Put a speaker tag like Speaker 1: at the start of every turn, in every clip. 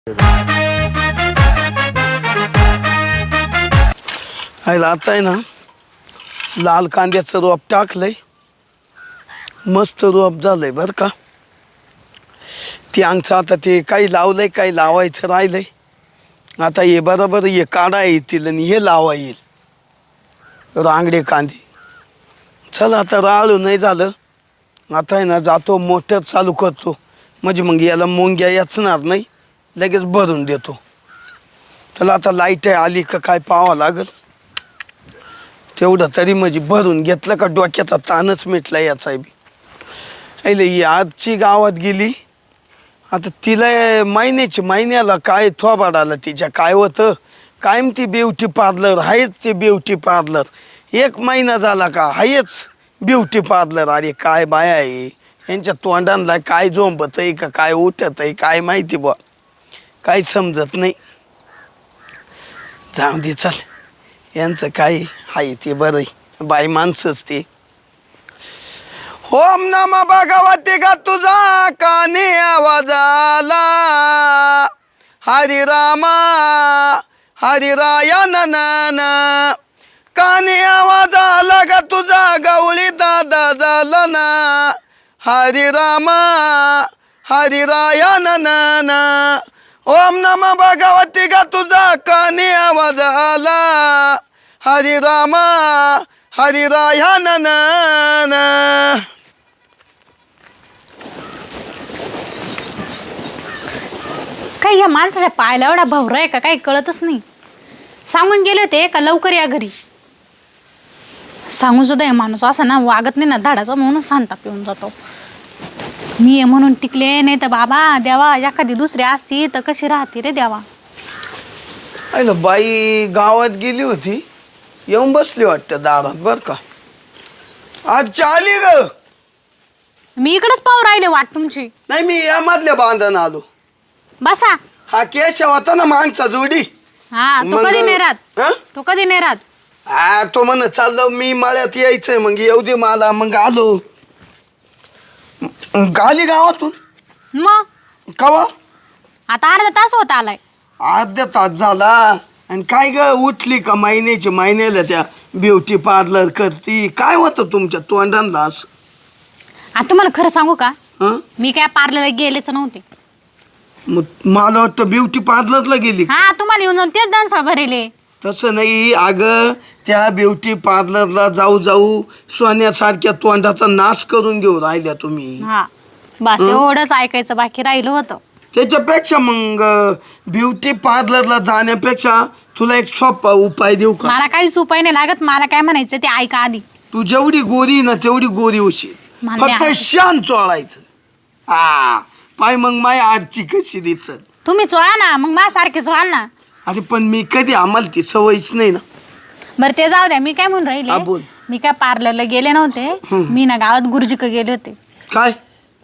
Speaker 1: आता आहे ना लाल कांद्याचं रोप टाकलंय, मस्त रोप झालंय बरं का. ते आमचं आता ते काही लावलंय, काही लावायचं राहिलंय. आता हे बरोबर हे काढा येतील आणि हे लावा येईल रांगडे कांदे. चल आता राळू नाही झालं, आता आहे ना जातो मोटर चालू करतो, म्हणजे मग याला मुंग्या याचणार नाही, लगेच भरून देतो. त्याला आता लाईट आली का काय पाहावं लागल. तेवढं तरी म्हणजे भरून घेतलं का डोक्याचा ताणच मिटला याचा बी. अरे ही आजची गावात गेली, आता तिला महिन्याला काय थोबाड आलं तिच्या, काय होतं कायम ती ब्युटी पार्लर आहेच. ते ब्युटी पार्लर 1 महिना झाला का आहेच ब्युटी पार्लर. अरे काय बाया आहे यांच्या तोंडांना, काय झोंबत आहे का काय उठत आहे काय माहिती बुवा, काही समजत नाही. जाऊ दे चल, यांचं काय आहे ते बरं आहे, बाई माणसंच ते. ओम नमः भगवते का तुझा काने आवाज आला, हरी रामा हरी राया नना. काने आवाज आला का तुझा गवळी दादा झाला ना, हरी रामा हरी राया नना. ओम नमः भगवते का तुझा काने आवाज आला, हरी रामा हरी राया नना.
Speaker 2: काही या माणसाच्या पायाला एवढा भवरा आहे का काही कळतच नाही. सांगून गेले होते का लवकर या घरी, सांगून सुद्धा हे माणूस असा ना वागत नाही ना धाडाचा, म्हणून सांगता पिऊन जातो. मी आहे म्हणून टिकले, नाही तर बाबा देवा एखादी दुसरी असती तर कशी राहते रे देवा.
Speaker 1: अरे बाई गावात गेली होती, येऊन बसली वाटतं दारात बरं का. आज चाली ग.
Speaker 2: मी इकडेच पाहू राहिले वाट तुमची.
Speaker 1: नाही मी या मधल्या बांधून आलो.
Speaker 2: बसा.
Speaker 1: हा केशव होता ना मागचा जोडी.
Speaker 2: हा तो कधी नाही राहत, तो कधी नाही राहत.
Speaker 1: हा तो म्हण चाललो मी मळ्यात यायचंय, मग येऊ दे मला, मग आलो. गाली गावातून
Speaker 2: मग
Speaker 1: कवा
Speaker 2: आता अर्धा तास होत आलाय.
Speaker 1: अर्धा तास झाला. आणि काय ग उठली का महिन्याला त्या ब्युटी पार्लर करती, काय होतं तुमच्या तोंडांना असं.
Speaker 2: आता तुम्हाला खरं सांगू का,
Speaker 1: हं?
Speaker 2: मी काय पार्लरला गेलेच नव्हते.
Speaker 1: मग मला वाटतं ब्युटी पार्लरला गेली.
Speaker 2: हा तुम्हाला येऊन जाऊन तेच दानसळ भरेले.
Speaker 1: तसं नाही अगं, त्या ब्युटी पार्लरला जाऊ जाऊ सोन्यासारख्या तोंडाचा नाश करून घेऊ राहिल्या तुम्ही.
Speaker 2: हा बस एवढंच ऐकायचं बाकी राहिलं होतं.
Speaker 1: त्याच्यापेक्षा मग ब्युटी पार्लरला जाण्यापेक्षा तुला एक सोपा उपाय देऊ का.
Speaker 2: मला काहीच उपाय नाही लागत, मला काय म्हणायचं ते ऐका आधी.
Speaker 1: तू जेवढी गोरी ना तेवढी गोरी होशील,
Speaker 2: मला
Speaker 1: फक्त
Speaker 2: नाही
Speaker 1: शान चोळायचं. हा पाय मग माय आजची कशी दिसत.
Speaker 2: तुम्ही चोळा ना मग माझ्यासारखे चोळा ना.
Speaker 1: अरे पण मी कधी, आम्हाला ती सवयच नाही ना.
Speaker 2: बरं ते जाऊ द्या, मी काय म्हणून
Speaker 1: हा,
Speaker 2: राहिले,
Speaker 1: बोल.
Speaker 2: मी काय पार्लरला गेले नव्हते. मी ना गावात गुरुजीक गेले होते.
Speaker 1: काय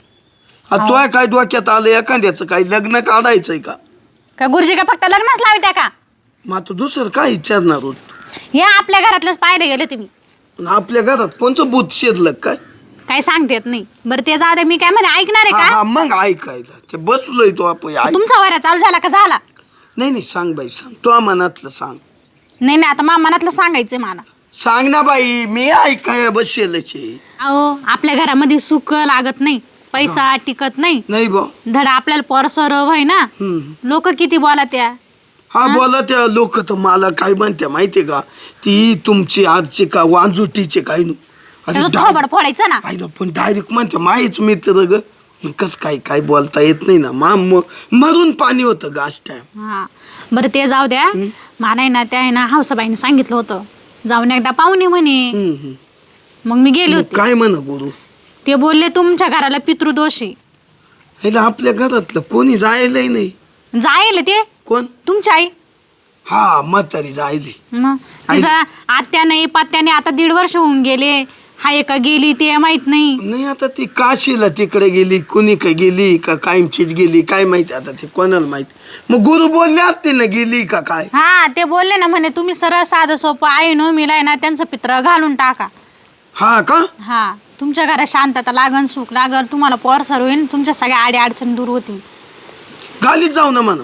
Speaker 1: तुला काय डोक्यात आलं, एखाद्याचं काय लग्न काढायचंय का.
Speaker 2: का गुरुजी का फक्त लग्नच लावत्या का.
Speaker 1: मग आता दुसरं काय विचारणार होत.
Speaker 2: हे आपल्या घरातलंच पाहिजे गेले तुम्ही.
Speaker 1: आपल्या घरात कोणचं भूत शिरलं काय.
Speaker 2: काय सांगता येत नाही. बरं ते जाऊ द्या, मी काय म्हणे ऐकणार आहे
Speaker 1: हा
Speaker 2: का.
Speaker 1: हा, मग ऐकायला ते बसलोय तो आपण
Speaker 2: तुमचा वारा चालू झाला का झाला.
Speaker 1: नाही सांग बाई सांग, तो मनातलं सांग.
Speaker 2: नाही आता मा मनातलं सांगायचंय मला.
Speaker 1: सांग ना बाई, मी ऐकाय बसेलच आहे.
Speaker 2: अहो आपल्या घरामध्ये सुख लागत नाही, पैसा टिकत नाही.
Speaker 1: नाही बा.
Speaker 2: धडा आपल्याला पोरसर व्हाय ना. लोक किती बोला त्या.
Speaker 1: हा बोला त्या लोक तर मला काय म्हणते माहितीये का, ती तुमची आजची का वांजुटीचे काय नु.
Speaker 2: थोबड फोडायचं ना.
Speaker 1: पण डायरेक्ट म्हणते माहीच मित्र ग. कस काय बोलता येत नाही ना. मरून पाणी होतं गाश टाइम.
Speaker 2: हा बरं ते जाऊ द्या. मला आहे ना त्या आहे ना हौसाबाईने सांगितलं होतं जाऊन एकदा पाहुणे म्हणे. मग मी गेले होते.
Speaker 1: काय म्हणा गुरु.
Speaker 2: ते बोलले तुमच्या घराला पितृदोषी.
Speaker 1: आपल्या घरातलं कोणी जायलंय नाही.
Speaker 2: जायले ते
Speaker 1: कोण.
Speaker 2: तुमची आई.
Speaker 1: हा म्हातारी जायले.
Speaker 2: मग तिचा आत्या नाही पत्या नाही, आता 1.5 वर्ष होऊन गेले. हाय का गेली ते माहित नाही.
Speaker 1: आता ती काशीला तिकडे गेली, कुणी काय गेली का कायमचीच गेली काय माहिती, आता ते कोणाला माहिती. मग गुरु बोलले असतील ना गेली का काय.
Speaker 2: हा ते बोलले ना म्हणे तुम्ही सरळ साधं सोपं आई नो मिलाय ना त्यांचं पित्र घालून टाका.
Speaker 1: हा का.
Speaker 2: हा तुमच्या घरात शांतता लागन, सुख लागल, तुम्हाला पोर सर्व होईल, तुमच्या सगळ्या आडी अडचण दूर होतील.
Speaker 1: गालीत जाऊ ना म्हणा.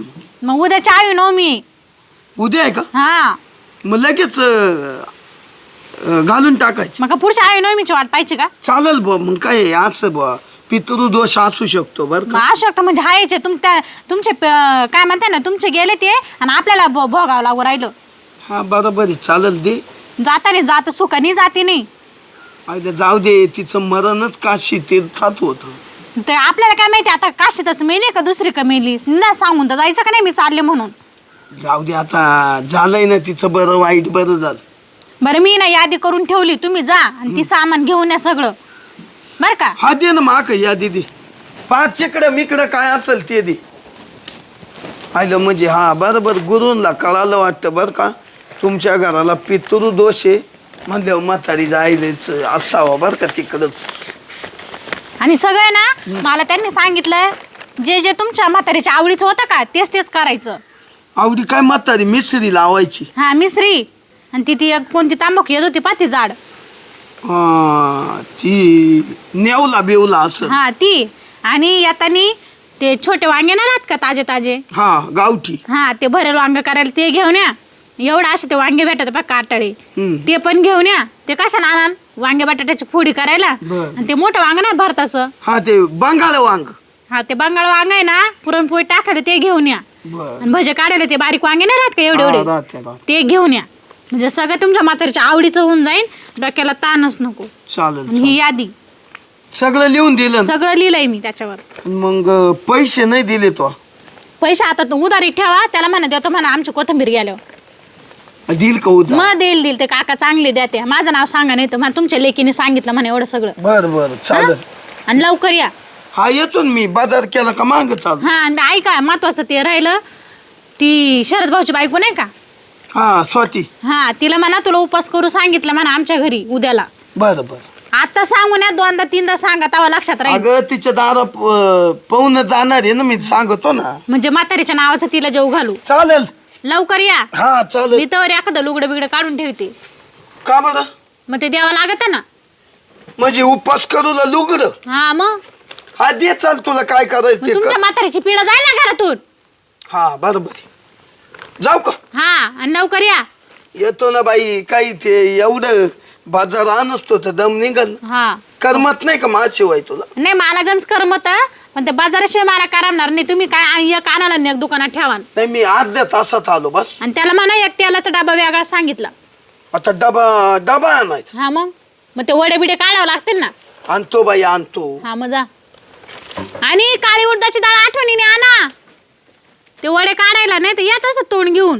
Speaker 2: मग उद्या चावी नवमी.
Speaker 1: उद्या आहे का?
Speaker 2: हा
Speaker 1: मग लगेच घालून टाकायची.
Speaker 2: मग पुढच्या आवी नवमीची वाट पाहिजे का?
Speaker 1: चालेल बुवा. मग काय असं बुवा पितृदोष असू शकतो बरं
Speaker 2: मग
Speaker 1: का.
Speaker 2: असू शकतं म्हणजे हायचे तुमचे काय म्हणते ना तुमचे गेले ते आणि आपल्याला भोगावं लागू राहिलं.
Speaker 1: हा बरोबर आहे. चालेल दे.
Speaker 2: जाताने जात सुखानी जाते नाही.
Speaker 1: आयला जाऊ दे. तिचं मरणच काशी तीर्थात होतं.
Speaker 2: ते आपल्याला काय माहिती आता काशीतच मेली का दुसरी का मेली ना सांगून तर जायचं का नाही मी चालले म्हणून.
Speaker 1: जाऊ दे आता. झालंय ना तिचं बरं वाईट बरं झालं.
Speaker 2: बरं मी ना यादी करून ठेवली तुम्ही जा आणि ती सामान घेऊन या सगळं बरं का.
Speaker 1: हा दे ना माक यादी दे. 5 इकडं मिकडं काय असेल ते दे. आयलं म्हणजे हा बरोबर गुरूंला कळालं वाटतं बरं का. तुमच्या घराला पितृदोष आहे म्हणल्यावर म्हातारी जायलेच असावं बरं का तिकडंच.
Speaker 2: आणि सगळं ना मला त्यांनी सांगितलं जे जे तुमच्या म्हातारीच्या आवडीचं होतं का तेच तेच करायचं.
Speaker 1: आवडी काय म्हातारी मिसरी लावायची.
Speaker 2: हा मिसरी आणि ती एक कोणती तांबाखू येत होती पाती झाड.
Speaker 1: ती नेवला बेवला असं.
Speaker 2: हा ती आणि येतानी ते छोटे वांगे ना राहत का ताजे ताजे.
Speaker 1: हा गावठी.
Speaker 2: हा ते भरेल वांग करायला ते घेऊन या. एवढं असे ते वांगे भेटत बघ काटाळे ते पण घेऊन या. ते कशाला आणाल वांगे बटाट्याची फोडी करायला. आणि ते मोठं वांग नाही भरताचं.
Speaker 1: हा ते बंगाल वांग.
Speaker 2: हा ते बंगाळ वांग आहे ना पुरणपोळी टाकायला ते घेऊन या. आणि भजे काढायला ते बारीक वांगे नाही राहत का एवढे एवढे ते घेऊन या. म्हणजे सगळं तुमच्या म्हातारीच्या आवडीचं होऊन जाईल. डोक्याला ताणच नको.
Speaker 1: चालेल.
Speaker 2: ही यादी
Speaker 1: सगळं लिहून दिलं.
Speaker 2: सगळं लिहिलंय मी त्याच्यावर.
Speaker 1: मग पैसे नाही दिले तो.
Speaker 2: पैसे आता तू उधारी ठेवा त्याला म्हणा देतो म्हणा आमची कोथिंबीर गेल्यावर.
Speaker 1: दिल का उद्या?
Speaker 2: मग देईल ते काका चांगले द्या ते. माझं नाव सांगा नाही तर मला तुमच्या लेकीने सांगितलं म्हणे एवढं सगळं.
Speaker 1: बर बर चालेल.
Speaker 2: आणि लवकर या.
Speaker 1: हा येतो ना मी. बाजार केला का माग चालू.
Speaker 2: हा आणि ऐका महत्वाचं ते राहिलं ती शरद भाऊची बायको नाही का.
Speaker 1: हा स्वाती.
Speaker 2: हा तिला म्हणा तुला उपास करू सांगितलं म्हणा आमच्या घरी उद्याला.
Speaker 1: बर बर.
Speaker 2: आता सांगून या 2दा 3दा सांगा तेव्हा लक्षात राहील.
Speaker 1: अगं तिच्या दारा पाहून जाणार आहे ना मी सांगतो ना.
Speaker 2: म्हणजे म्हातारीच्या नावाचं तिला जेव घालू.
Speaker 1: चालेल.
Speaker 2: लवकर या.
Speaker 1: हा चालेल.
Speaker 2: मी तर एखादं लुगडं बिगडं काढून ठेवते.
Speaker 1: का बरं?
Speaker 2: मग ते द्यावं लागत ना.
Speaker 1: म्हणजे उपास करूला लुगड.
Speaker 2: हा मग
Speaker 1: हा दे चाल तुला काय करायचं ते
Speaker 2: तुमच्या
Speaker 1: कर.
Speaker 2: म्हातारीची पिढा जाईल ना घरातून.
Speaker 1: हा बरोबर. जाऊ का?
Speaker 2: हा आणि लवकर या.
Speaker 1: येतो ना बाई. काही ते एवढं बाजार आणतो तर दम निघल.
Speaker 2: हा
Speaker 1: करमत नाही का माझ्याशिवाय तुला?
Speaker 2: नाही मला गंज करमत पण ते बाजाराशिवाय मला करमणार नाही. तुम्ही काय आणि एक आणाला नाही एक दुकानात ठेवा.
Speaker 1: नाही मी अर्ध्या तासात आलो बस.
Speaker 2: आणि त्याला म्हणा एक तेलाचा डबा वेगळा सांगितला.
Speaker 1: आता डबा आणायचा.
Speaker 2: हा मग ते वडे बिडे काढावं लागतील ना.
Speaker 1: आणतो बाई आणतो.
Speaker 2: हा मग जा. आणि काळी उडदाची डाळ आठवणीने आणा. ते वडे काढायला नाही तर येत असं तोंड घेऊन.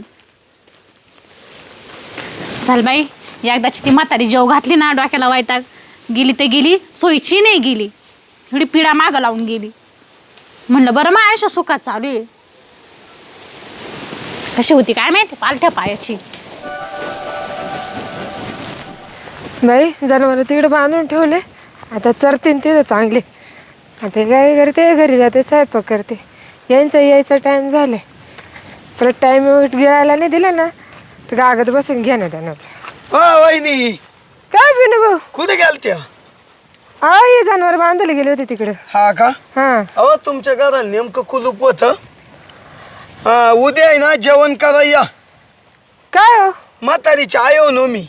Speaker 2: चल बाई एकदाची ती म्हातारी जेव घातली ना डोक्याला वैताग. गेली तर गेली सोयीची नाही गेली. एवढी पिढा मागं लावून गेली. म्हणलं बरं मग आयुष्य सुखात चालू आहे. कशी होती काय माहिती पालथ्या पायाची.
Speaker 3: बाई जनावर तिकडे बांधून ठेवले. आता चरतीन तिथं चांगले. आता काय करते घरी जाते स्वयंपाक करते. यायचा टाईम झाले. परत टाईम घ्यायला नाही दिला ना तर कागद बसून घ्या ना त्यांनाच.
Speaker 1: वहिनी
Speaker 3: काय बिनू भाऊ
Speaker 1: कुठे गेलत्या?
Speaker 3: हे जनावर बांधायला गेले होते तिकडे.
Speaker 1: हा का?
Speaker 3: हा
Speaker 1: अहो तुमच्या घराला नेमकं कुलूप होत. उद्या आहे ना जेवण करा या.
Speaker 3: काय हो
Speaker 1: म्हातारीची आयो नो मी.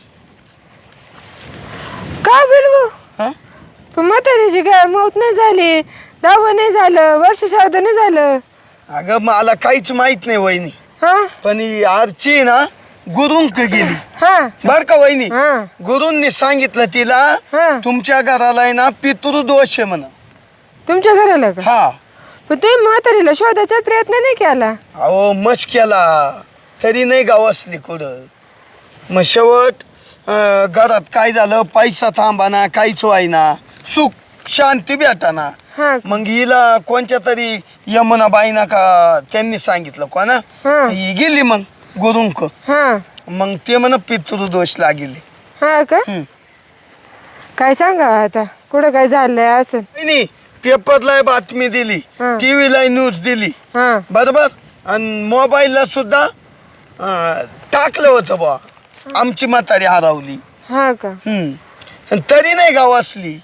Speaker 3: काय बिनू भाऊ
Speaker 1: हा?
Speaker 3: पण म्हातारीची काय मौत नाही झाली. 10 नाही झालं. वर्ष श्राद्ध नाही झालं.
Speaker 1: अगं मला काहीच माहित नाही वहिनी.
Speaker 3: हा
Speaker 1: पण ही आरची ना गुरुंक गेली
Speaker 3: हा
Speaker 1: बर का वहिनी.
Speaker 3: हा
Speaker 1: गुरूंनी सांगितलं तिला
Speaker 3: हा
Speaker 1: तुमच्या घराला आहे ना पितृदोष आहे म्हणा.
Speaker 3: तुमच्या घराला का?
Speaker 1: हा.
Speaker 3: पण तुम्ही म्हातारीला शोधायचा प्रयत्न नाही केला.
Speaker 1: अहो मस्त केला तरी नाही गावसली कुठं. मग शेवट घरात काय झालं पैसा थांबाना काहीच व्हायना सुख शांती भेटाना.
Speaker 3: हा
Speaker 1: मग हिला कोणत्या तरी यमुनाबाईना का त्यांनी सांगितलं कोणा
Speaker 3: हा
Speaker 1: ही गेली मग गुरुंक.
Speaker 3: हा
Speaker 1: मग ते म्हण पितृदोष लागेल.
Speaker 3: हा का? काय सांगा आता कुठं काय झालंय असं.
Speaker 1: नाही पेपरला बातमी दिली.
Speaker 3: हा.
Speaker 1: टीव्हीला न्यूज दिली
Speaker 3: हा
Speaker 1: बरोबर. आणि मोबाईलला सुद्धा टाकलं होतं बा आमची म्हातारी हरवली.
Speaker 3: हा का?
Speaker 1: आणि तरी नाही गावासली.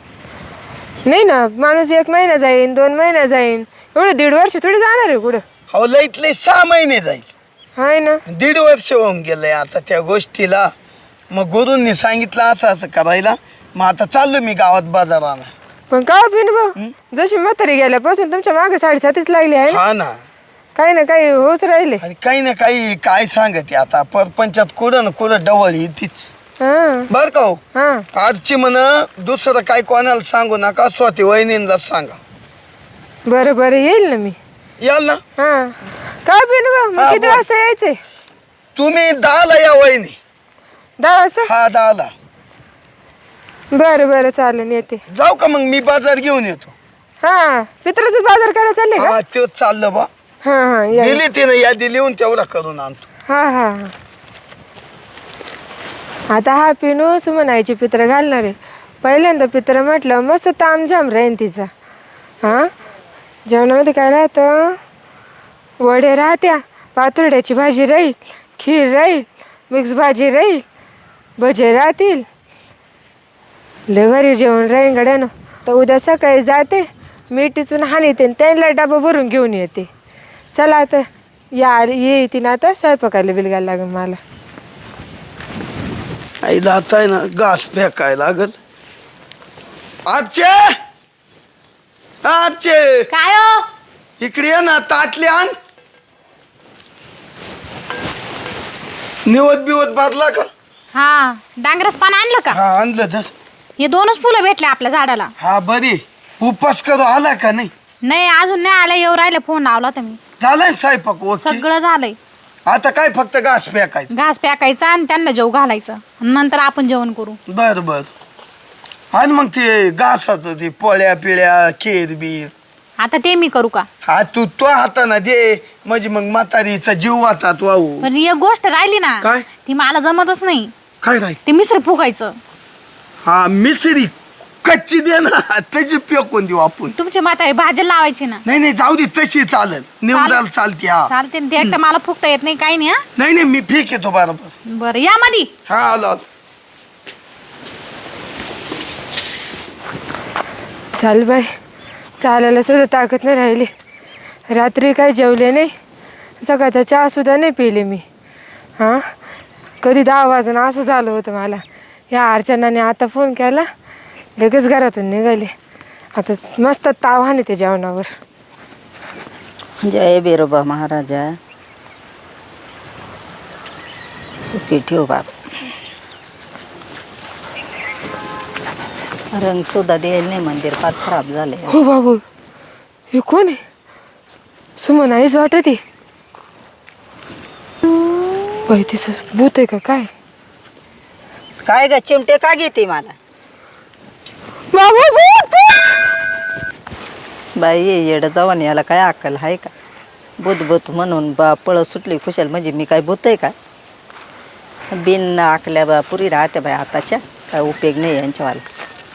Speaker 3: नाही ना माणूस 1 महिना जाईन 2 महिना जाईन. एवढं 1.5 वर्ष थोडी जाणार आहे कुठं.
Speaker 1: हो लईतले 6 महिने जाईल.
Speaker 3: हाय ना.
Speaker 1: 1.5 वर्ष होऊन गेलंय आता त्या गोष्टीला. मग गुरूंनी सांगितलं असं असं करायला. मग आता चाललो मी गावात बाजाराला.
Speaker 3: पण का पिन भाऊ जशी म्हातारी गेल्यापासून तुमच्या मागे 7.5 लागली आहे ना.
Speaker 1: हा ना.
Speaker 3: काही ना काही होच राहिले.
Speaker 1: आणि काही ना काही काय सांगते आता परपंचात कुठं ना कुठं डवळ येतीच.
Speaker 3: हा
Speaker 1: बर का हो.
Speaker 3: हा.
Speaker 1: आजची म्हण दुसरं काय कोणाला सांगू नका, स्वती वहिनींना सांगा.
Speaker 3: बरं बरं येईल ना मी.
Speaker 1: याल ना.
Speaker 3: हा का पिन भाऊ मग
Speaker 1: हा,
Speaker 3: किती
Speaker 1: बोल.
Speaker 3: वाजता यायचे?
Speaker 1: तुम्ही 10ला या वहिनी.
Speaker 3: 10 वाजता.
Speaker 1: हा 10ला.
Speaker 3: बरं बरं चालेल येते.
Speaker 1: जाऊ का मग मी बाजार घेऊन येतो.
Speaker 3: हा पित्राचाच बाजार करायला चालले का?
Speaker 1: हा तेच चाललं बा.
Speaker 3: हा हा या.
Speaker 1: दिली तिने यादी लिहून तेवढा करून आणतो.
Speaker 3: हा हा हा. आता हा पिनू सुमनाईची पित्र घालणार आहे. पहिल्यांदा पित्र म्हटलं मस्त तामझाम राहीन तिचा. हा जेवणामध्ये काय राहतं? वडे राहत्या, पातुरड्याची भाजी राहील, खीर राहील, मिक्स भाजी राहील, भजे राहतील. लय भारी जेवण राहीन गड्यानं. तर उद्या सकाळी जाते मीठ टिचून हाणीते आणि त्यांना डबा भरून घेऊन येते. चला आता येते ना आता स्वयंपाकाला बिलगायला लागेल मला.
Speaker 1: आईला आता आहे ना घास फेकाय लागल. आजचे आजचे
Speaker 2: काय हो?
Speaker 1: इकडे ये ना, ताटली आण. निवत बिवत बांधला का?
Speaker 2: हा डांगरस पान आणलं का?
Speaker 1: हा आणलं तर.
Speaker 2: हे 2च फुलं भेटले आपल्या झाडाला.
Speaker 1: हा बरी. उपास करू आला का नाही?
Speaker 2: नाही अजून नाही आलं. येऊ राहिले फोन लावला तुम्ही.
Speaker 1: झालाय ना स्वयंपाक ओके?
Speaker 2: सगळं झालंय.
Speaker 1: आता काय फक्त घास फेकायचं.
Speaker 2: घास प्याकायचा आणि त्यांना जेव घालायचं. नंतर आपण जेवण करू.
Speaker 1: बर बर. आणि मग ते घासाचं ते पोळ्या पिळ्या खीर बीर.
Speaker 2: आता ते मी करू का?
Speaker 1: हा तू तो हाताना दे म्हणजे मग म्हातारीचा जीव वाहतात वाहू.
Speaker 2: पण एक गोष्ट राहिली ना.
Speaker 1: काय?
Speaker 2: ती मला जमतच नाही.
Speaker 1: काय राही?
Speaker 2: ते मिसळ फुकायचं.
Speaker 1: हा मिसरी कच्ची दे ना, त्याची फेकून देऊ आपण.
Speaker 2: तुमची म्हातारी भाजी लावायची ना.
Speaker 1: नाही नाही जाऊ दे तशी चालेल. निवडाल चालते. हा
Speaker 2: चालते ना. ते एकटं मला फुकता येत नाही काही नाही. हा
Speaker 1: नाही नाही मी फेक येतो बरोबर.
Speaker 2: बरं या मधी.
Speaker 1: हा आलो आलो.
Speaker 3: चाल बाई चालायला सुद्धा ताकद नाही राहिली. रात्री काही जेवले नाही, सकाळचा चहा सुद्धा नाही पिले मी. हां कधी 10 वाजून असं झालं होतं मला. या अर्चनाने आता फोन केला, लगेच घरातून निघाले. आता मस्त ताव हाणे ते जेवणावर.
Speaker 4: जय बिरोबा महाराजा सुखी ठेव बाबा. रंग सुद्धा द्यायला नाही, मंदिर फार खराब झाले.
Speaker 3: हो बाबू हे कोण आहे? सुमन आईच वाटत आहे. बाई तिचं भूत आहे का काय?
Speaker 4: काय ग चिमटे का घेते मला?
Speaker 3: बाबू भूत!
Speaker 4: बाई येडं जाऊन याला काय अक्कल आहे का? भूत म्हणून बा पळत सुटली खुशाल म्हणजे मी काय भूत आहे का? बिन आकल्या बा पुरी राहते बाई आताच्या, काय उपयोग नाही यांच्यावाला.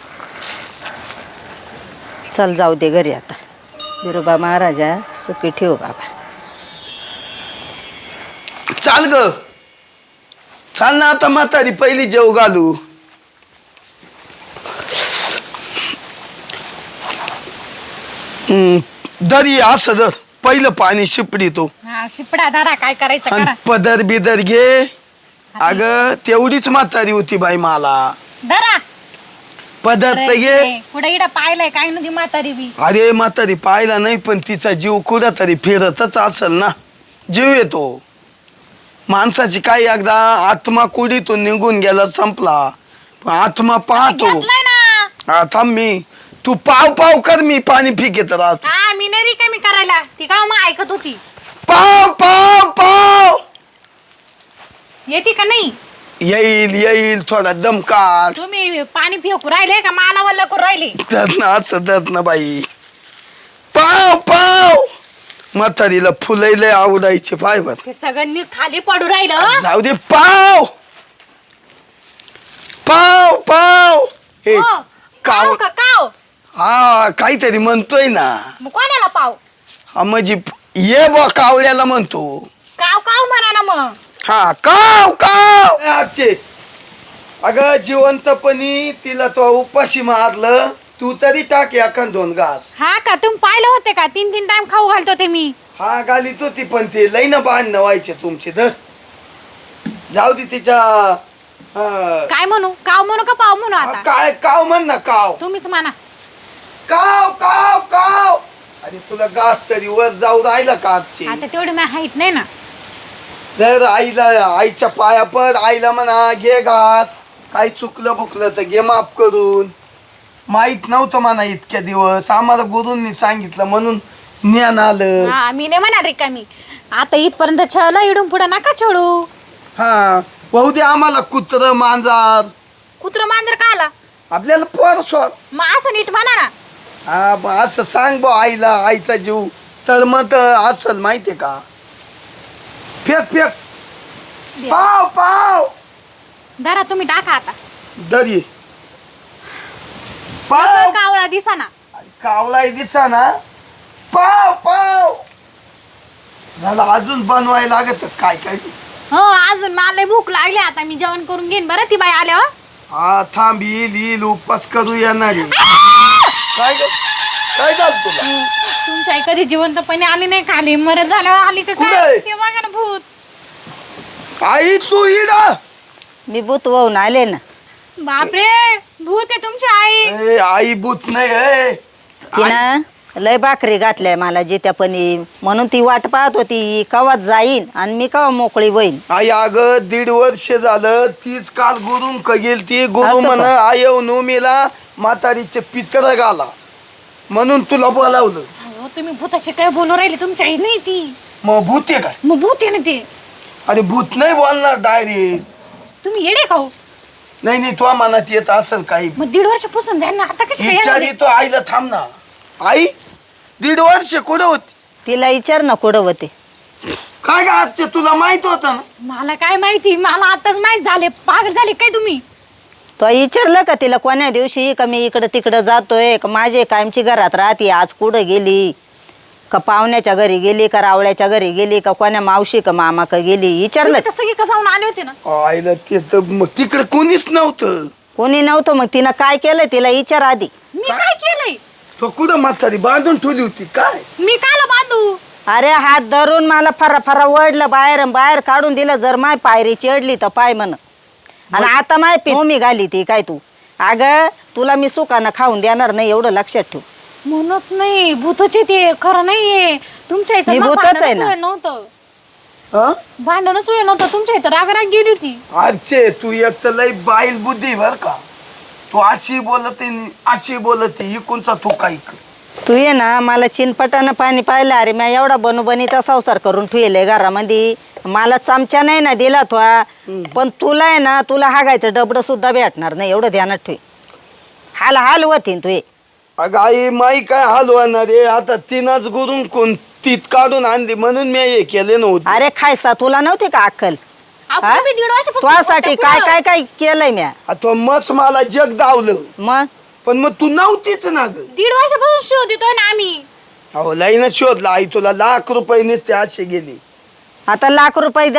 Speaker 4: चल जाऊ दे घरी आता. बिरोबा महाराजा सुखी ठेव बाबा.
Speaker 1: चाल ग चाल ना आता म्हातारी पहिली जेव घालू. दरी असं दर पहिलं पाणी शिपडी तो.
Speaker 2: हा शिपडा दारा काय करायचं
Speaker 1: आणि
Speaker 2: करा.
Speaker 1: पदर बिदर घे. अग तेवढीच म्हातारी होती बाई मला.
Speaker 2: दारा
Speaker 1: पदर तर घे.
Speaker 2: कुठे इडा पाहिलंय काय नव्हती म्हातारी बी.
Speaker 1: अरे म्हातारी पाहिला नाही पण तिचा जीव कुठं तरी फिरतच असेल ना. जीव येतो माणसाची. काय एकदा आत्मा कुडीतून निघून गेला संपला, पण आत्मा पाहतो.
Speaker 2: घेतलंय ना.
Speaker 1: हा थांब मी. तू पाव पाव कर, मी पाणी फिकेत राहतो.
Speaker 2: हा मी नाही रिकामी करायला. ती का मग ऐकत होती.
Speaker 1: पाव पाव पाव
Speaker 2: येते का नाही?
Speaker 1: येईल येईल थोडा दमकार.
Speaker 2: तुम्ही पाणी फेकू राहिले का मला वल्ल करू राहिले?
Speaker 1: असं ना बाई. पाव पाव म्हातारीला फुलैले आवडायचे पाय बर.
Speaker 2: ते सगळ्यांनी खाली पडू राहिलं.
Speaker 1: जाऊ दे. पाव पाव पाव हे
Speaker 2: हो,
Speaker 1: काव.
Speaker 2: काव का काव?
Speaker 1: हा काहीतरी म्हणतोय ना.
Speaker 2: मग कोणाला पाव?
Speaker 1: हा म्हणजे ये बा कावल्याला म्हणतो.
Speaker 2: काव काव म्हणा ना मग.
Speaker 1: हा काव काव. अगं जिवंतपणी तिला तो उपाशी मारलं. तू तरी टाक एखाद 2 घास.
Speaker 2: हा का तुम्ही पाहिलं होते का? 3 टाइम खाऊ घालतो ते मी.
Speaker 1: हा घालीत होती पण ते लई ना भांडणं व्हायचे तुमचे तर जाऊ दे तिच्या
Speaker 2: काय म्हणू काव म्हणू का पाव म्हणू आता
Speaker 1: काय काव म्हण ना काव
Speaker 2: तुम्हीच म्हणा.
Speaker 1: काव काव काव अरे तुला घास तरी वर जाऊ राहिला का आजची
Speaker 2: आता तेवढी माझी हाईट नाही ना.
Speaker 1: जर आईला आईच्या पाया पड आईला म्हणा घे घास काही चुकलं बुकलं तर घे माफ करून माहित नव्हतं म्हणा इतक्या दिवस आम्हाला गुरूंनी सांगितलं म्हणून ज्ञान आलं.
Speaker 2: हा मी नाही म्हणणार का मी आता इथपर्यंत छळलं इडून पुढे नका छळू.
Speaker 1: हा भाऊ दे आम्हाला कुत्र मांजार
Speaker 2: कुत्र मांजर का आला
Speaker 1: आपल्याला पोर सोड
Speaker 2: मग असं नीट म्हणा ना.
Speaker 1: हा मग असं सांग बा आईला आईचा जीव तर मग असल माहितीये का फेक फेक पाव पाव
Speaker 2: धरा तुम्ही टाका आता.
Speaker 1: दरी पाव
Speaker 2: कावळा दिसा ना.
Speaker 1: कावलाय दिसा ना पाव पाव झालं अजून बनवायला लागत काय काय
Speaker 2: हो अजून मला भूक लागली आता मी जेवण करून घेईन बरं ती बाई आल्यावर.
Speaker 1: हा थांब येईल उपास करू येणार काय ग? काय झालं तुला
Speaker 2: तुमच्या आई कधी जिवंतपणे आली नाही खाली मरत झाल्यावर आली तर
Speaker 1: कुठे?
Speaker 2: काय ते बघा ना भूत.
Speaker 1: आई तू इडा
Speaker 4: मी भूत वाहून आले ना.
Speaker 2: बापरे भूत आहे तुमची आई.
Speaker 1: आई भूत नाही आहे
Speaker 4: तिनं लय भाकरी घातल्या मला जित्यापणी म्हणून ती वाट पाहत होती कवा जाईन आणि मी कवा मोकळी होईन.
Speaker 1: आई अगं 1.5 वर्ष झालं तीच काल गुरुं गेल ती गुरु
Speaker 4: असं
Speaker 1: म्हण
Speaker 4: का?
Speaker 1: आयव नोमीला म्हातारीचे पित्र घाला म्हणून तुला बोलावलं.
Speaker 2: अहो, तुम्ही भूताशी काय बोलू राहिले तुमची आई नाही ती.
Speaker 1: मग भूत आहे काय
Speaker 2: मग भूत आहे ना ते.
Speaker 1: अरे भूत नाही बोलणार डायरेक्ट
Speaker 2: तुम्ही येडे खाऊ.
Speaker 1: नाही नाही तुझ्या मनात येत असेल काही
Speaker 2: मग 1.5 वर्ष पुसून जाईल ना आता कशी काय येणार
Speaker 1: विचारी
Speaker 2: आहे?
Speaker 1: तो आईला थांब ना आई 1.5 वर्ष कुठं होती
Speaker 4: तिला विचार ना कुठं होते.
Speaker 1: काय का आजचे तुला माहित होतं ना
Speaker 2: मला काय माहिती मला आताच माहित झाले पागल झाले काय तुम्ही.
Speaker 4: तो विचारलं का तिला कोण्या दिवशी का मी इकडं तिकडं जातोय का माझे कायमची घरात राहते आज कुठं गेली का पाहुण्याच्या घरी गेली का रावळ्याच्या घरी गेली का कोण्या मावशी का मामा का गेली विचारलं.
Speaker 2: तुम्ही तर सगळे कसं जाऊन आले होते ना.
Speaker 1: आईला ते तर मग तिकडे कोणीच नव्हतं.
Speaker 4: कोणी नव्हतं मग तिनं काय केलं तिला विचार आधी.
Speaker 2: मी काय केलंय
Speaker 1: तो कुठं म्हातारी बांधून ठेवली होती काय
Speaker 2: मी काला बांधू.
Speaker 4: अरे हात धरून मला फरा फरा ओढलं बाहेर बाहेर काढून दिलं जर माय पायरी चढली तर पाय म्हण आणि आता माय मी घाली ती काय तू अगं तुला मी सुकानं खाऊन देणार नाही एवढं लक्षात ठेव.
Speaker 2: म्हणूनच नाही भूतचे ते खरं नाहीये तुमच्या इथं
Speaker 4: मी
Speaker 2: ना
Speaker 4: भूतच आहे
Speaker 2: भांडणच
Speaker 4: ना.
Speaker 2: वेळ नव्हतं.
Speaker 1: हा
Speaker 2: भांडणच वेळ नव्हतं तुमच्या इथं राग गेली होती.
Speaker 1: आजचे तू एक तर लई बाईल बुद्धी बर का तू अशी बोलते अशी बोलते इकूनचा तू काय
Speaker 4: तू ये ना मला चिनपटानं पाणी पाहिलं अरे मी एवढा बनूबनीचा संसार करून ठेवले घरामध्ये मला चमचा नाही ना दिला तो पण तुला आहे ना तुला हागायचं डबडं सुद्धा भेटणार नाही एवढं ध्यानात ठेव. हाल हाल होतीन तू.
Speaker 1: अगं आई माई काय हलवणार रे आता तिनंच गुरून कोण तीत काढून आणली म्हणून मी हे केले नव्हते.
Speaker 4: अरे खायसा तुला नव्हती का अक्कल
Speaker 2: अहो,
Speaker 4: हा?
Speaker 2: तुम्ही 1.5 वर्षापासून
Speaker 4: तुझ्यासाठी
Speaker 2: बोलताय
Speaker 4: काय
Speaker 2: पुढं.
Speaker 4: काय काय केलंय म्या
Speaker 1: तो मस मला जग दावलं
Speaker 4: मग
Speaker 1: पण मग तू नव्हतीच ना ग
Speaker 2: 1.5 वर्षापासून शोध देतोय ना आम्ही.
Speaker 1: अहो लईनच शोधला आई तुला लाख रुपये नुसते असे गेले.
Speaker 4: आता लाख रुपये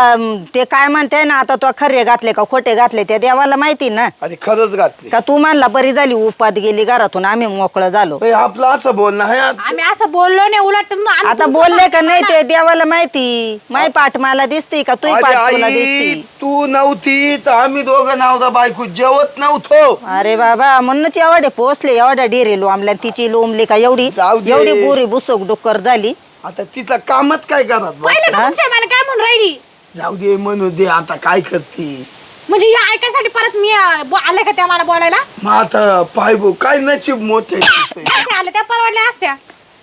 Speaker 4: ते काय म्हणते ना आता तो खरे घातले का खोटे घातले त्या देवाला माहिती ना.
Speaker 1: अरे खरंच घातले
Speaker 4: का तू म्हणला बरी झाली उपात गेली घरातून आम्ही मोकळं झालो.
Speaker 1: आपलं असं बोलणं आहे आज.
Speaker 2: आम्ही असं बोललो नाही उलट आम्ही
Speaker 4: आता
Speaker 2: तुमचं
Speaker 4: बोलले का
Speaker 2: पाठ
Speaker 4: नाही
Speaker 2: केलं
Speaker 4: ते देवाला माहिती माई पाठ मला दिसती का तू
Speaker 1: अरे
Speaker 4: पाठ तुला
Speaker 1: आई
Speaker 4: दिसती.
Speaker 1: तू नव्हती तर आम्ही दोघं नवरा बायको जेवत नव्हतो.
Speaker 4: अरे बाबा म्हणूनच एवढे पोचले एवढ्या डिरे लोंबल्या तिची लोंबली का एवढी
Speaker 1: जाऊ दे.
Speaker 4: एवढी बुरी बुसक डुक्कर झाली.
Speaker 1: आता तिचं कामच काय करत बस.
Speaker 2: पाहिलं ना तुमच्या मला काय म्हणून राहिली.
Speaker 1: जाऊ दे म्हणू दे आता काय करते.
Speaker 2: म्हणजे या ऐकायसाठी परत मी आले का त्या मला बोलायला.
Speaker 1: मग आता पाय गो काय नशीब मोठे
Speaker 2: कसे आले त्या परवडल्या असत्या.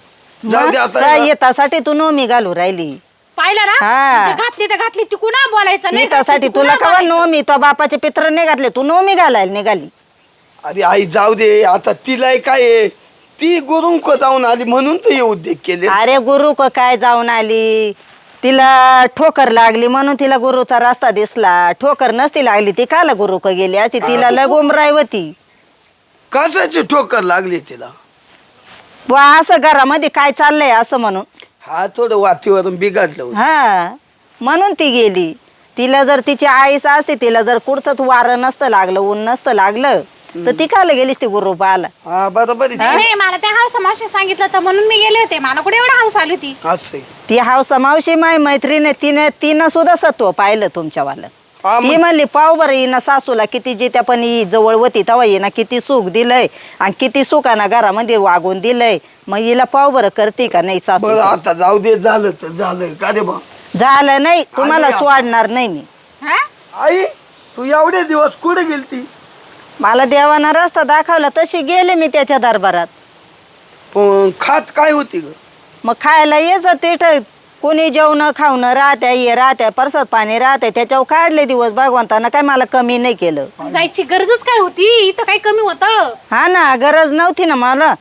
Speaker 1: जाऊ दे
Speaker 4: मग
Speaker 1: आता
Speaker 4: येतासाठी तू नोमी घालू राहिली.
Speaker 2: पाहिलं ना
Speaker 4: हा.
Speaker 2: म्हणजे घातली तर घातली ती कुणा बोलायचं नाही
Speaker 4: येतासाठी
Speaker 2: घातली तर
Speaker 4: तुला
Speaker 2: कुणा
Speaker 4: कवा
Speaker 2: बोलायचं.
Speaker 4: नोमी तो बापाचे पित्र नाही घातले तू नोमी घालायला निघाली.
Speaker 1: अरे आई जाऊ दे आता तिला काय आहे, ती गुरुंक जाऊन आली म्हणून तर हे उद्योग केले.
Speaker 4: अरे गुरु काय जाऊन आली तिला ठोकर लागली म्हणून तिला गुरुचा रस्ता दिसला. ठोकर नसती लागली ती काला गुरु गेली अशी तिला लगोमराय होती.
Speaker 1: कशाची ठोकर लागली तिला.
Speaker 4: बुवा असं घरामध्ये काय चाललंय असं म्हणून
Speaker 1: हा थोडं वातावरण बिघडलं होतं.
Speaker 4: हा म्हणून ती गेली. तिला जर तिची आईस असते तिला जर कुठचंच वारं नसतं लागलं ऊन नसतं लागलं तर ती कायला गेलीस ती गुरु पाहायला
Speaker 1: हा बरोबर आहे.
Speaker 2: नाही मला त्या हाऊस मावशी सांगितलं तर म्हणून मी गेले होते. मला कुठे एवढं हाऊस आली होती.
Speaker 1: असं आहे.
Speaker 4: ती हावसा मावशी माय मैत्रीण तिनं सुद्धा सत्व पाहिलं तुमच्यावालं.
Speaker 1: हा,
Speaker 4: ती म्हणली पाव बरं हिनं सासूला किती जित्या पण ही जवळ होती तेव्हा हिनं किती सुख दिलंय आणि किती सुखानं घरामध्ये वागून दिलंय. मग हिला पाव बरं करते का नाही सासू.
Speaker 1: बरं आता जाऊ दे, झालं तर झालं का रे बा.
Speaker 4: झालं नाही तुम्हाला
Speaker 1: आली.
Speaker 4: सोडणार नाही मी.
Speaker 2: हा
Speaker 1: आई तू एवढे दिवस कुठे गेलती?
Speaker 4: मला देवाना रस्ता दाखवला तशी गेले मी त्याच्या दरबारात.
Speaker 1: पण खात काय होती ग?
Speaker 4: मग खायला यायचं तिथं कोणी जेवणं खावणं राहत्या परसात पाणी राहते त्याच्यावर काढले दिवस. भगवंतानं काय मला कमी नाही केलं.
Speaker 2: जायची गरजच काय होती? इथं काही कमी होतं?
Speaker 4: हा ना गरज नव्हती ना मला.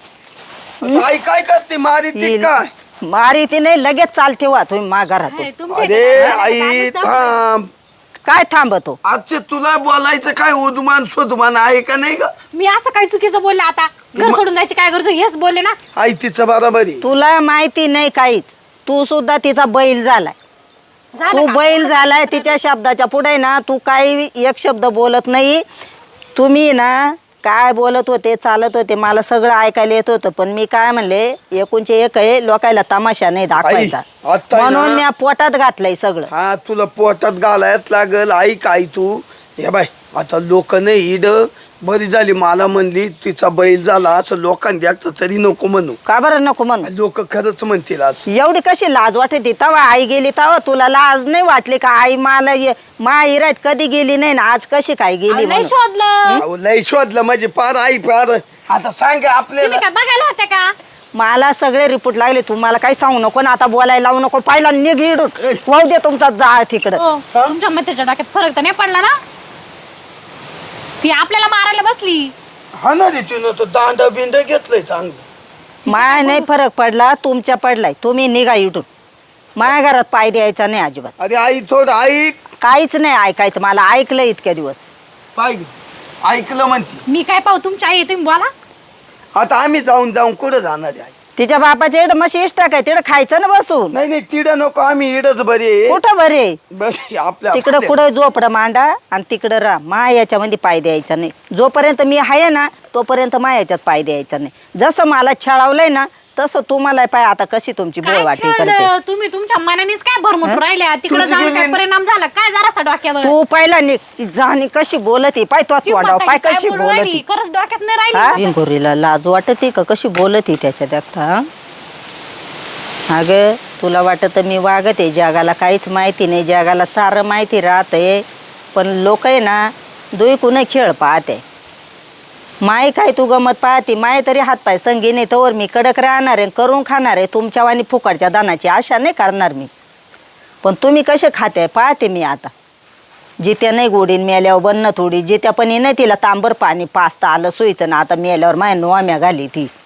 Speaker 1: आई काय करते? मारी ती काय?
Speaker 4: मारी ती नाही लगेच चालते वा तुम्ही मा घरातून.
Speaker 2: हे तुमच्या
Speaker 1: अरे
Speaker 2: इथं
Speaker 1: आई
Speaker 2: दादीच दाखवते.
Speaker 1: थांब.
Speaker 4: काय थांबतो.
Speaker 1: आजचे तुला बोलायचं काय उदमान स्वदमान आहे का नाही का?
Speaker 2: मी असं काही चुकीचं बोलले आता? घर सोडून जायची काय गरज? हेच बोलले ना.
Speaker 1: आई तिचं बरोबर आहे.
Speaker 4: तुला माहिती नाही काहीच. तू सुद्धा तिचा बैल झालाय.
Speaker 2: झालं
Speaker 4: तू
Speaker 2: का?
Speaker 4: बैल झालाय तिच्या शब्दाच्या पुढे ना तू काही एक शब्द बोलत नाही. तुम्ही ना काय बोलत होते चालत होते मला सगळं ऐकायला येत होतं. पण मी काय म्हणले एकूणचे एक आहे लोकायला तमाशा नाही दाखवायचा.
Speaker 1: आता आहे ना-
Speaker 4: म्हणून मी पोटात घातलंय सगळं.
Speaker 1: हा तुला पोटात घालायच लागल. आई काय तू हे बाय आता लोक नाही इड बरी झाली मला म्हणली तिचा बैल झाला असं लोकांनी द्यायचं तरी नको म्हणू.
Speaker 4: का बरं नको म्हणून.
Speaker 1: लोक खरंच म्हणतील असं.
Speaker 4: एवढी कशी लाज वाटते तेव्हा आई गेली तेव्हा तुला लाज नाही वाटली का? आई मला माहिरात कधी गेली नाही ना आज कशी काय गेली
Speaker 2: नाही
Speaker 4: म्हणून.
Speaker 2: शोधलं.
Speaker 1: अहो, लय शोधलं म्हणजे पार आई पार आता सांग आपल्याला.
Speaker 2: तुम्ही काय बघायला होते का?
Speaker 4: मला सगळे रिपोर्ट लागले. तुम्हाला काही सांगू नको ना आता बोलायला लावू नको. पहिला निघ इडून वाहू दे तुमचा जाळ तिकडं.
Speaker 2: हो, तुमच्या मतेच्या डोक्यात फरक तर नाही पडला ना? ती आपल्याला मारायला बसली.
Speaker 1: हा ना रे तिनं तर दांडा बिंड घेतलंय चांगलं.
Speaker 4: माया नाही फरक पडला तुमच्या पडलाय. तुम्ही निघा इडून. माझ्या घरात पाय द्यायचा नाही अजिबात.
Speaker 1: अरे आई थोडं ऐक.
Speaker 4: काहीच नाही ऐकायचं. मला ऐकलं इतक्या दिवस.
Speaker 1: पाय ऐकलं म्हणते.
Speaker 2: मी काय पाहू? तुमची आई आहे, तुम्ही बोला.
Speaker 1: आता आम्ही जाऊन कुठं जाणार आहे आई?
Speaker 4: तिच्या बापाच्या इकडं मशी इष्टा काय तिकडं खायचं ना बसून.
Speaker 1: नाही नाही तिडं नको आम्ही इडच बरे
Speaker 4: कुठं बरे
Speaker 1: बरे आपल्या
Speaker 4: तिकडं कुठं झोपडं मांडा आणि तिकडं राहा. मा याच्यामध्ये पाय द्यायचा नाही. जोपर्यंत मी आहे ना तोपर्यंत मा याच्यात पाय द्यायचा नाही. जसं मला छळावलंय ना तसं तुम्हाला पाय आता कशी तुमची
Speaker 2: काय
Speaker 4: बोळवाटी करते.
Speaker 2: छळलं? तुम्ही तुमच्या मनानेच काय भरमटून राहिल्या? तिकडे
Speaker 1: तुझी
Speaker 2: जाऊन काय
Speaker 1: गेली-
Speaker 2: परिणाम झाला काय जरासा डोक्यावर?
Speaker 4: तू पहिला निघ. ती जाणी कशी बोलती पाय तो
Speaker 2: ती
Speaker 4: तोंडाव
Speaker 2: म्हणता
Speaker 4: पाय
Speaker 2: की काय
Speaker 4: कशी
Speaker 2: बोलू राहिली?
Speaker 4: बोलती.
Speaker 2: खरंच डोक्यात नाही
Speaker 4: हा
Speaker 2: राहिली.
Speaker 4: भिंगोरीला लाज वाटते का कशी बोलती त्याच्या देखता. अगं तुला वाटत मी वागते जगाला काहीच माहिती नाही. जगाला सारं माहिती राहते पण लोक आहे ना दुईकून खेळ पाहते. माय काय तू गमत पाहते. माय तरी हातपाय संगी नाही तोवर मी कडक राहणार आहे करून खाणार आहे. तुमच्या वाणी फुकटच्या दानाची आशा नाही करणार मी. पण तुम्ही कसे खाते पाहते मी आता. जित्या नाही गोडीन मेल्यावर बन्न थोडी जित्या पण नाही तिला तांबर पाणी पाचता आलं सोयीचं ना. आता मेल्यावर माय नोम्या घाली ती